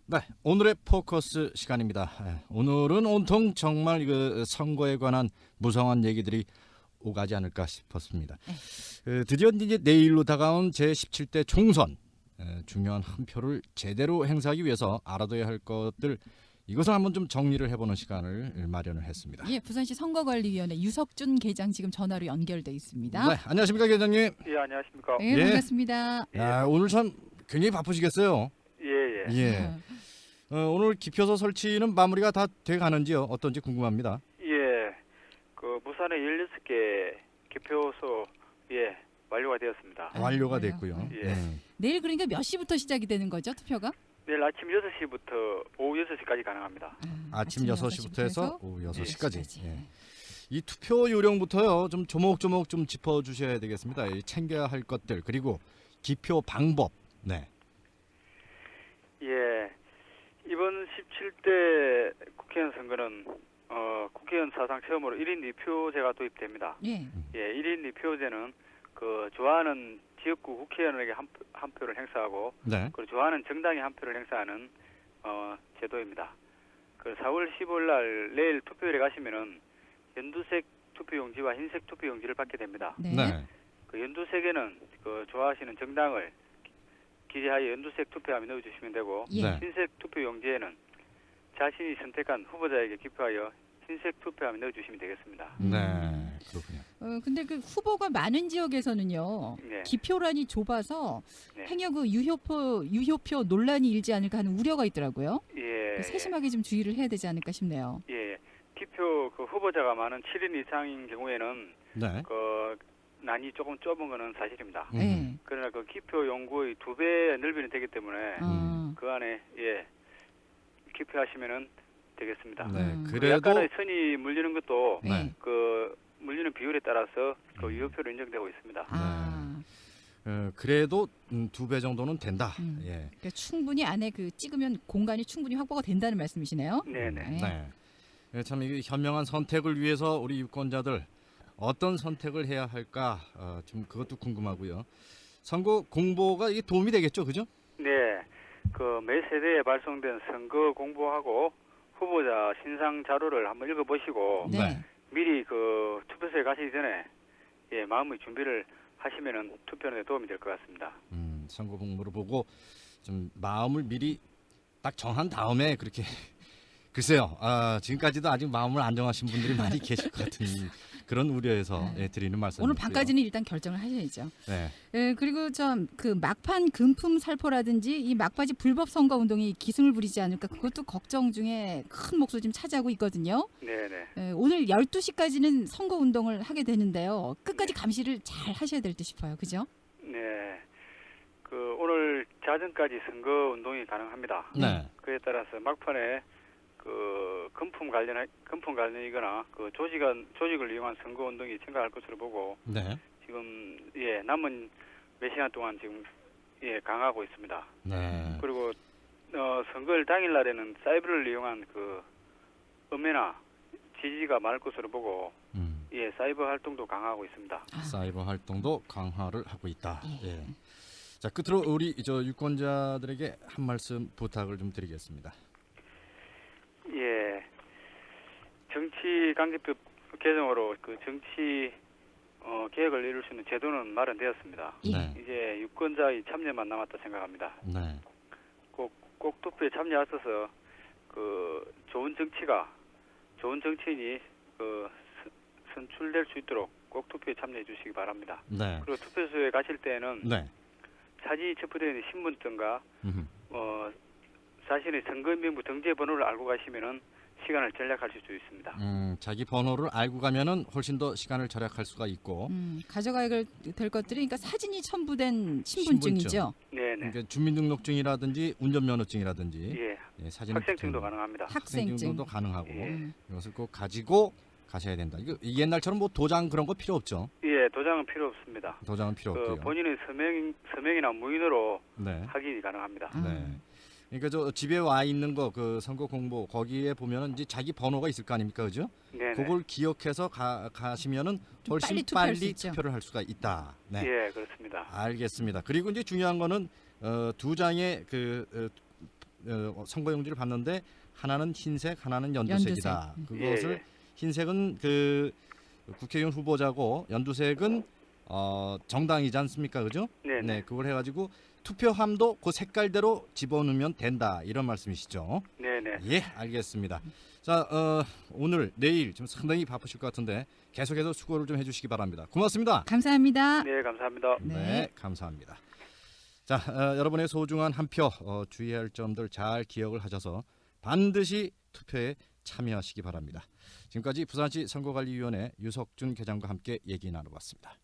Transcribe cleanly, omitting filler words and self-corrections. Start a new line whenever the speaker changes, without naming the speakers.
네, 오늘의 포커스 시간입니다. 오늘은 온통 정말 그 선거에 관한 무성한 얘기들이 오가지 않을까 싶었습니다. 드디어 이제 내일로 다가온 제17대 총선, 중요한 한 표를 제대로 행사하기 위해서 알아둬야 할 것들, 이것을 한번 좀 정리를 해보는 시간을 마련을 했습니다.
예, 부산시 선거관리위원회 유석준 계장 지금 전화로 연결돼 있습니다.
네, 안녕하십니까 계장님.
예, 안녕하십니까.
예,
예.
반갑습니다.
야, 오늘 참 굉장히 바쁘시겠어요.
예.
예. 오늘 기표소 설치는 마무리가 다 돼 가는지요? 어떤지 궁금합니다.
예. 그 부산에 16개 기표소 완료가 되었습니다.
완료가
그래요?
됐고요.
예.
내일 그러니까 몇 시부터 시작이 되는 거죠, 투표가?
내일 아침 6시부터 오후 6시까지 가능합니다.
아침 6시부터 해서 오후 6시까지.
6시까지.
예. 이 투표 요령부터요. 좀 조목조목 좀 짚어 주셔야 되겠습니다. 이 챙겨야 할 것들 그리고 기표 방법. 네.
예. 이번 17대 국회의원 선거는 국회의원 사상 처음으로 1인 2표제가 도입됩니다.
예.
예, 1인 2표제는 그 좋아하는 지역구 국회의원에게 한 표를 행사하고
네.
그리고 좋아하는 정당에 한 표를 행사하는 제도입니다. 그 4월 15일 날 내일 투표일에 가시면은 연두색 투표용지와 흰색 투표용지를 받게 됩니다.
네.
네.
그 연두색에는 그 좋아하시는 정당을 기재하여 연두색 투표함에 넣어주시면 되고
예.
네.
흰색 투표용지에는 자신이 선택한 후보자에게 기표하여 흰색 투표함에 넣어주시면 되겠습니다.
네. 그렇군요.
근데 그 후보가 많은 지역에서는요.
네.
기표란이 좁아서
네.
행여 그 유효표 논란이 일지 않을까 하는 우려가 있더라고요.
예.
세심하게 좀 주의를 해야 되지 않을까 싶네요.
예. 기표 그 후보자가 많은 7인 이상인 경우에는
네.
그 난이 조금 좁은 거는 사실입니다.
예.
그러나 그 기표 용구의 2배 넓이는 되기 때문에 그 안에 기표하시면은 되겠습니다.
네.
음.
그
그래도
약간의 선이 물리는 것도
네.
그 물리는 비율에 따라서 그 유효표로 인정되고 있습니다.
아,
그래도 2배 정도는 된다. 예.
그러니까 충분히 안에 그 찍으면 공간이 충분히 확보가 된다는 말씀이시네요.
네네.
네. 참 이게 현명한 선택을 위해서 우리 유권자들 어떤 선택을 해야 할까 좀 그것도 궁금하고요. 선거 공보가 이게 도움이 되겠죠, 그죠?
네. 그 매 세대에 발송된 선거 공보하고 후보자 신상 자료를 한번 읽어보시고
네.
미리 그 투표소에 가시기 전에 마음의 준비를 하시면은 투표에 도움이 될 것 같습니다.
선거 공보를 보고 좀 마음을 미리 딱 정한 다음에 그렇게 글쎄요. 지금까지도 아직 마음을 안 정하신 분들이 많이 계실 것 같은 그런 우려에서 드리는 말씀입니다.
오늘 밤까지는 일단 결정을 하셔야죠.
네.
예, 그리고 좀 그 막판 금품 살포라든지 이 막바지 불법 선거 운동이 기승을 부리지 않을까 그것도 걱정 중에 큰 몫을 좀 차지하고 있거든요.
네네.
예, 오늘 12시까지는 선거 운동을 하게 되는데요. 끝까지 감시를 잘 하셔야 될 듯 싶어요. 그죠?
네. 그 오늘 자정까지 선거 운동이 가능합니다.
네.
그에 따라서 막판에 그 금품 관련이거나 그 조직을 이용한 선거 운동이 증가할 것으로 보고
네.
지금 남은 몇 시간 동안 지금 강화하고 있습니다.
네.
그리고 선거일 당일 날에는 사이버를 이용한 그 음해나 지지가 많을 것으로 보고 사이버 활동도 강화하고 있습니다.
사이버 활동도 강화를 하고 있다. 예. 자, 끝으로 우리 저 유권자들에게 한 말씀 부탁을 좀 드리겠습니다.
예. 정치 관계법 개정으로 그 정치 개혁을 이룰 수 있는 제도는 마련되었습니다.
네.
이제 유권자의 참여만 남았다 생각합니다.
네.
꼭 투표에 참여하셔서 그 좋은 정치인이 그 선출될 수 있도록 꼭 투표에 참여해 주시기 바랍니다.
네.
그리고 투표소에 가실 때는
네.
사진이 첩부되어 있는 신분증과
음흠.
자신의 선거인명부 등재 번호를 알고 가시면은 시간을 절약하실 수 있습니다.
자기 번호를 알고 가면은 훨씬 더 시간을 절약할 수가 있고.
가져가야 될 것들이 그러니까 사진이 첨부된 신분증이죠.
네네.
그러니까 주민등록증이라든지 운전면허증이라든지 사진
학생증도 가능합니다.
학생증도 가능하고
예.
이것을 꼭 가지고 가셔야 된다. 이거 옛날처럼 뭐 도장 그런 거 필요 없죠.
예, 도장은 필요 없습니다.
도장은 필요
그
없고요.
본인의 서명이나 무인으로
네.
확인이 가능합니다.
네. 그러니까 저 집에 와 있는 거 그 선거 공보 거기에 보면은 이제 자기 번호가 있을 거 아닙니까, 그죠?
네네.
그걸 기억해서 가시면은
좀
훨씬
빨리 투표할 수
빨리
있죠.
투표를 할 수가 있다. 네.
예, 그렇습니다.
알겠습니다. 그리고 이제 중요한 거는 두 장의 그 선거용지를 봤는데 하나는 흰색, 하나는 연두색이다.
연두색.
그것을
예.
흰색은 그 국회의원 후보자고 연두색은 정당이지 않습니까, 그죠?
네, 네,
그걸 해가지고 투표함도 그 색깔대로 집어넣으면 된다 이런 말씀이시죠?
네, 네.
예, 알겠습니다. 자, 오늘 내일 좀 상당히 바쁘실 것 같은데 계속해서 수고를 좀 해주시기 바랍니다. 고맙습니다.
감사합니다.
네, 감사합니다.
네.
감사합니다. 자, 여러분의 소중한 한 표 주의해야 할 점들 잘 기억을 하셔서 반드시 투표에 참여하시기 바랍니다. 지금까지 부산시 선거관리위원회 유석준 계장과 함께 얘기 나눠봤습니다.